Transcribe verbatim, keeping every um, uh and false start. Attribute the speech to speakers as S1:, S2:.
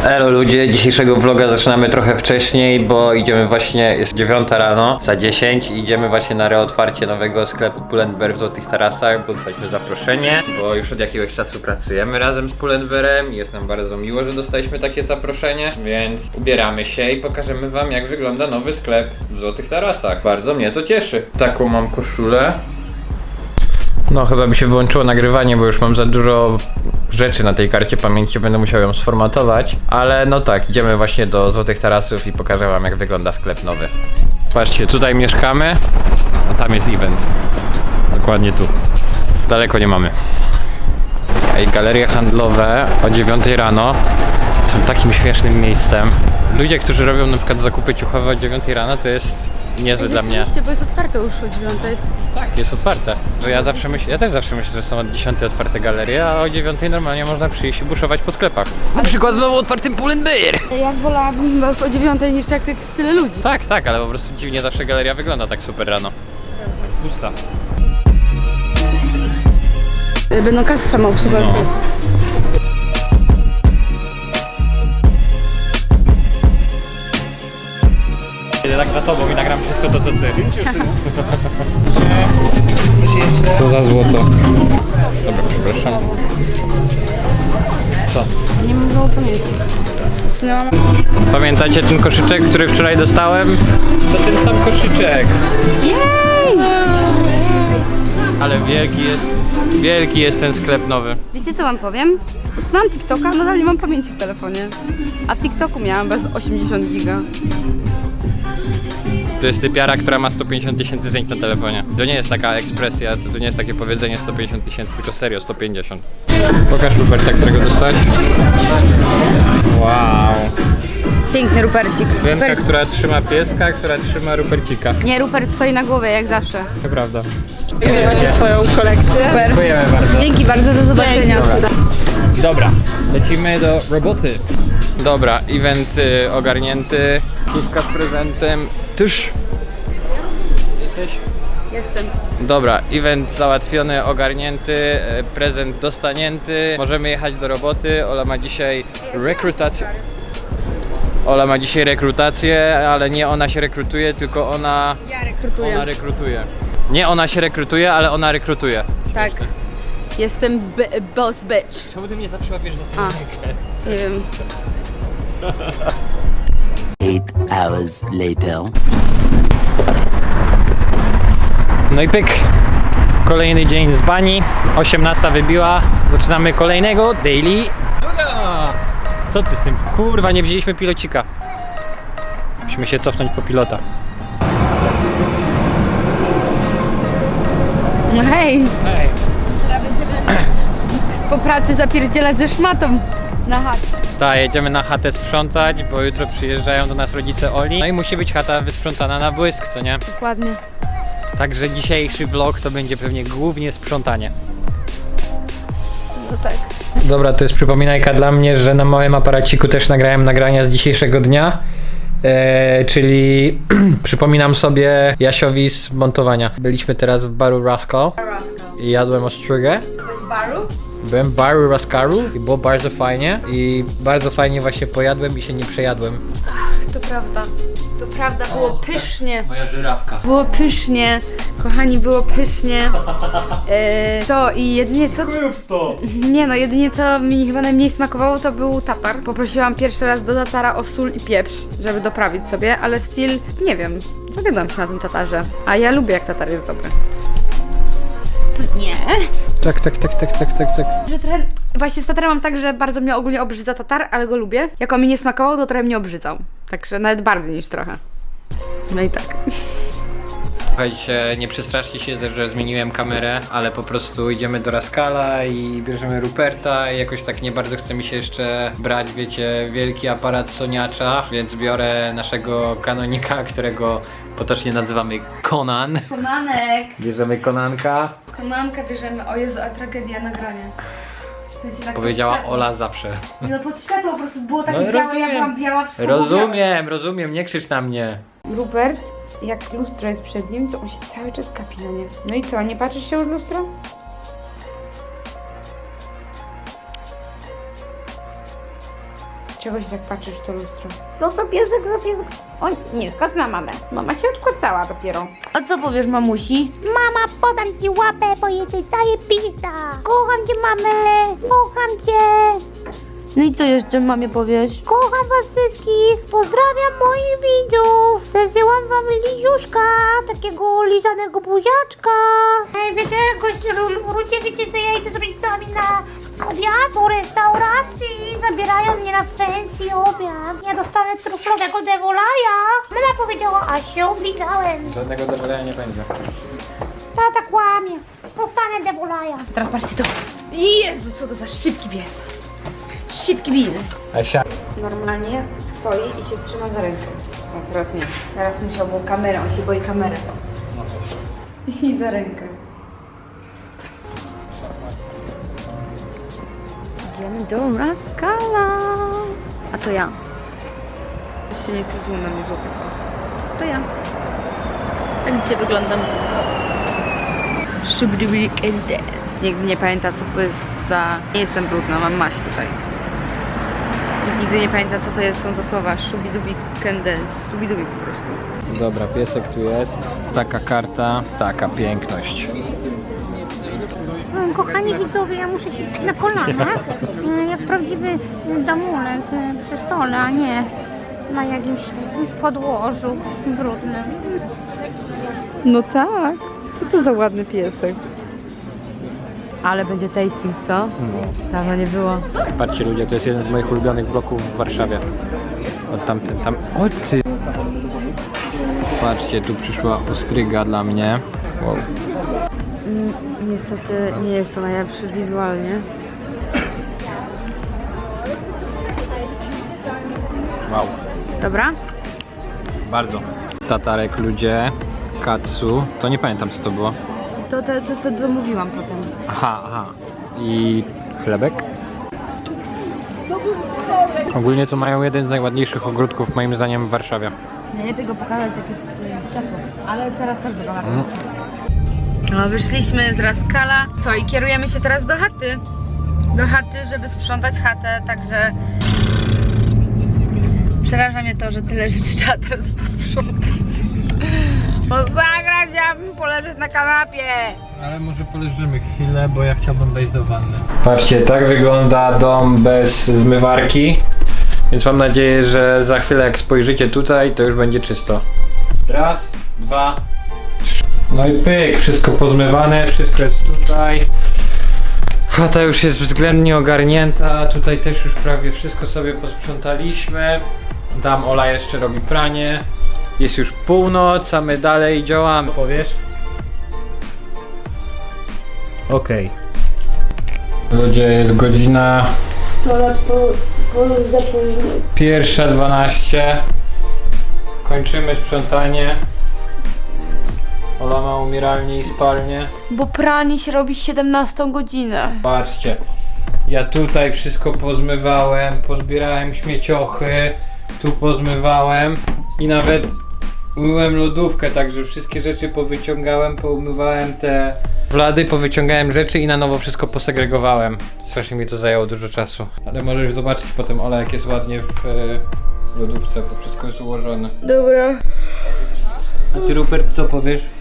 S1: Elo ludzie, dzisiejszego vloga zaczynamy trochę wcześniej, bo idziemy właśnie, jest dziewiąta rano, za dziesięć i idziemy właśnie na reotwarcie nowego sklepu Pull&Bear w Złotych Tarasach, bo dostaliśmy zaproszenie, bo już od jakiegoś czasu pracujemy razem z Pull&Bearem i jest nam bardzo miło, że dostaliśmy takie zaproszenie, więc ubieramy się i pokażemy wam, jak wygląda nowy sklep w Złotych Tarasach. Bardzo mnie to cieszy. Taką mam koszulę. No chyba by się wyłączyło nagrywanie, bo już mam za dużo rzeczy na tej karcie pamięci, będę musiał ją sformatować. Ale no tak, idziemy właśnie do Złotych Tarasów i pokażę wam, jak wygląda sklep nowy. Patrzcie, tutaj mieszkamy, a tam jest event. Dokładnie tu. Daleko nie mamy. Ej, galerie handlowe o dziewiątej rano są takim śmiesznym miejscem. Ludzie, którzy robią na przykład zakupy ciuchowe o dziewiątej rano, to jest niezłe dla mnie.
S2: Oczywiście, bo jest otwarte już o dziewiątej.
S1: Tak, jest otwarte. Że ja zawsze myślę, ja też zawsze myślę, że są od dziesiątej otwarte galerie, a o dziewiątej normalnie można przyjść i buszować po sklepach. Na przykład znowu otwartym Pull&Bear!
S2: Ja wolałabym chyba już o dziewiątej niż jak tak jest tyle ludzi.
S1: Tak, tak, ale po prostu dziwnie zawsze galeria wygląda tak super rano. Pusta.
S2: Będą kasy samoobsługowe.
S1: No. Kiedy tak za tobą i nagram wszystko to, co ty. Co za złoto. Dobra, przepraszam. Co?
S2: Nie mogę pamiętać. Usunęłam.
S1: Pamiętacie ten koszyczek, który wczoraj dostałem? To ten sam koszyczek.
S2: Jej!
S1: Ale wielki jest, wielki jest ten sklep nowy.
S2: Wiecie co wam powiem? Usunęłam TikToka, nadal nie mam pamięci w telefonie. A w TikToku miałam bez osiemdziesiąt giga.
S1: To jest typiara, która ma sto pięćdziesiąt tysięcy zdjęć na telefonie. To nie jest taka ekspresja, to, to nie jest takie powiedzenie sto pięćdziesiąt tysięcy, tylko serio sto pięćdziesiąt. Pokaż Ruperta, którego dostać. Wow.
S2: Piękny Rupercik.
S1: Ręka,
S2: Rupert...
S1: która trzyma pieska, która trzyma Rupercika.
S2: Nie, Rupert stoi na głowie jak zawsze.
S1: To prawda.
S3: Macie swoją kolekcję.
S2: Super.
S1: Dziękujemy bardzo.
S2: Dzięki bardzo, do zobaczenia.
S1: Dobra. Dobra, lecimy do roboty. Dobra, event y, ogarnięty, szufka z prezentem. Tyż. Jesteś?
S2: Jestem.
S1: Dobra, event załatwiony, ogarnięty, e, prezent dostanięty. Możemy jechać do roboty. Ola ma dzisiaj rekrutację. Ola ma dzisiaj rekrutację, ale nie ona się rekrutuje, tylko ona...
S2: Ja rekrutuję.
S1: Ona rekrutuje. Nie ona się rekrutuje, ale ona rekrutuje.
S2: Tak. Jestem b- boss bitch.
S1: Czemu ty mnie zawsze łapiesz za
S2: A. Nie wiem.
S4: Eight hours later.
S1: No i pyk. Kolejny dzień z bani. osiemnasta wybiła. Zaczynamy kolejnego daily vloga. Co ty z tym? Kurwa, nie wzięliśmy pilocika. Musimy się cofnąć po pilota.
S2: No hej.
S1: Hej.
S2: Teraz będziemy po pracy zapierdzielać ze szmatą na chatę.
S1: Tak, jedziemy na chatę sprzątać, bo jutro przyjeżdżają do nas rodzice Oli. No i musi być chata wysprzątana na błysk, co nie?
S2: Dokładnie.
S1: Także dzisiejszy vlog to będzie pewnie głównie sprzątanie.
S2: No tak.
S1: Dobra, to jest przypominajka dla mnie, że na małym aparaciku też nagrałem nagrania z dzisiejszego dnia. Eee, czyli przypominam sobie Jasiowi z montowania. Byliśmy teraz w baru Rascal i jadłem ostrygę.
S2: W baru?
S1: Byłem w baru Rascalu i było bardzo fajnie. I bardzo fajnie właśnie pojadłem i się nie przejadłem.
S2: To prawda. To prawda, było pysznie.
S1: Moja żyrawka.
S2: Było pysznie. Kochani, było pysznie. Yy, to i jedynie co... Nie no, jedynie co mi chyba najmniej smakowało, to był tatar. Poprosiłam pierwszy raz do tatara o sól i pieprz, żeby doprawić sobie, ale still, nie wiem, zawiodłam się na tym tatarze. A ja lubię, jak tatar jest dobry. Nie.
S1: Tak, tak, tak, tak, tak, tak, tak.
S2: Że trochę... Właśnie z tatarem mam tak, że bardzo mnie ogólnie obrzydza tatar, ale go lubię. Jak on mi nie smakował, to trochę mnie obrzydzał. Także nawet bardziej niż trochę. No i tak.
S1: Słuchajcie, nie przestraszcie się, że zmieniłem kamerę, ale po prostu idziemy do Rascala i bierzemy Ruperta i jakoś tak nie bardzo chce mi się jeszcze brać, wiecie, wielki aparat soniacza, więc biorę naszego kanonika, którego potocznie nazywamy Conan.
S2: Konanek.
S1: Bierzemy Konanka.
S2: Konanka bierzemy. O Jezu, a tragedia nagrania. W sensie tak
S1: Powiedziała
S2: pod światło.
S1: Ola zawsze.
S2: Nie no, pod światło po prostu było takie
S1: No,
S2: białe,
S1: rozumiem.
S2: ja byłam biała. wszystko było
S1: Rozumiem, rozumiem, nie krzycz na mnie.
S2: białe. Rupert, jak lustro jest przed nim, to on się cały czas kapi na nie. No i co, nie patrzysz się już w lustro? Czego się tak patrzysz w to lustro? Co to piesek za piesek? O nie, skąd na mamę? Mama się odkłacała dopiero. A co powiesz mamusi?
S5: Mama, podam ci łapę, bo jesteś zajebista. Kocham cię, mamę. Kocham cię.
S2: No i co jeszcze mamie powiesz?
S5: Kocham was wszystkich. Pozdrawiam moich widzów. Zesyłam wam liziuszka. Takiego lizanego buziaczka. Ej, wiecie, gość ludzie, wiecie, że ja idę z rodzicami na obiad do restauracji. Zabierają mnie na fancy obiad. Ja dostanę truflowego devolaja. Mama powiedziała, a się oblizałem.
S1: Żadnego dobrego nie będzie.
S5: Tata kłamie. Dostanę devolaja.
S2: Teraz patrzcie to. Jezu, co to za szybki pies. Szybki bil.
S1: Asia.
S2: Normalnie stoi i się trzyma za rękę. O, teraz nie. Teraz musiałby kamerę, on się boi kamery. I za rękę. Idziemy do Raskala. A to ja. Się nie chce zoom na mnie złapać. To ja. Tak dzisiaj wyglądam. Shubidubidi can dance. Nigdy nie pamięta, co to jest za... Nie jestem brudna, mam maść tutaj. Nikt nigdy nie pamięta, co to jest, są za słowa Shubidubi can dance. Shubidubi po prostu.
S1: Dobra, piesek tu jest. Taka karta, taka piękność.
S5: Kochani widzowie, ja muszę siedzieć na kolanach, e, jak prawdziwy damulek e, przy stole, a nie na jakimś podłożu brudnym.
S2: No tak. Co to za ładny piesek. Ale będzie tasting, co? Dawno nie było.
S1: Patrzcie ludzie, to jest jeden z moich ulubionych bloków w Warszawie. Od tamten, tam... O ty! Patrzcie, tu przyszła ostryga dla mnie. Wow.
S2: Niestety nie jest to najlepszy wizualnie.
S1: Wow.
S2: Dobra?
S1: Bardzo. Tatarek ludzie, katsu. To nie pamiętam co to było.
S2: To, to, to, to domówiłam potem.
S1: Aha, aha. I chlebek. Ogólnie to mają jeden z najładniejszych ogródków moim zdaniem w Warszawie.
S2: Najlepiej go pokazać, jak jest ciepło. Ale teraz też wygląda. Mm. No, wyszliśmy z Raskala. Co, i kierujemy się teraz do chaty. Do chaty, żeby sprzątać chatę, także... Przeraża mnie to, że tyle rzeczy trzeba teraz posprzątać. No zagrać, chciałabym poleżeć na kanapie.
S1: Ale może poleżymy chwilę, bo ja chciałbym wejść do wanny. Patrzcie, tak wygląda dom bez zmywarki. Więc mam nadzieję, że za chwilę jak spojrzycie tutaj, to już będzie czysto. Raz, dwa, trzy. No i pyk, wszystko pozmywane, wszystko jest tutaj. Chata już jest względnie ogarnięta, tutaj też już prawie wszystko sobie posprzątaliśmy. Tam Ola jeszcze robi pranie. Jest już północ, a my dalej działamy. Powiesz? Okej. Okay. Ludzie, jest godzina...
S5: sto lat po, po zapóźnieniu.
S1: Pierwsza dwanaście. Kończymy sprzątanie. Ola ma umieralnię i spalnię.
S2: Bo pranie się robi siedemnastą godzinę.
S1: Patrzcie, ja tutaj wszystko pozmywałem, pozbierałem śmieciochy, tu pozmywałem i nawet umyłem lodówkę, także wszystkie rzeczy powyciągałem, poumywałem te wlady, powyciągałem rzeczy i na nowo wszystko posegregowałem. Strasznie mi to zajęło dużo czasu. Ale możesz zobaczyć potem, Ola, jak jest ładnie w e, lodówce, bo wszystko jest ułożone.
S2: Dobra.
S1: A ty, Rupert, co powiesz?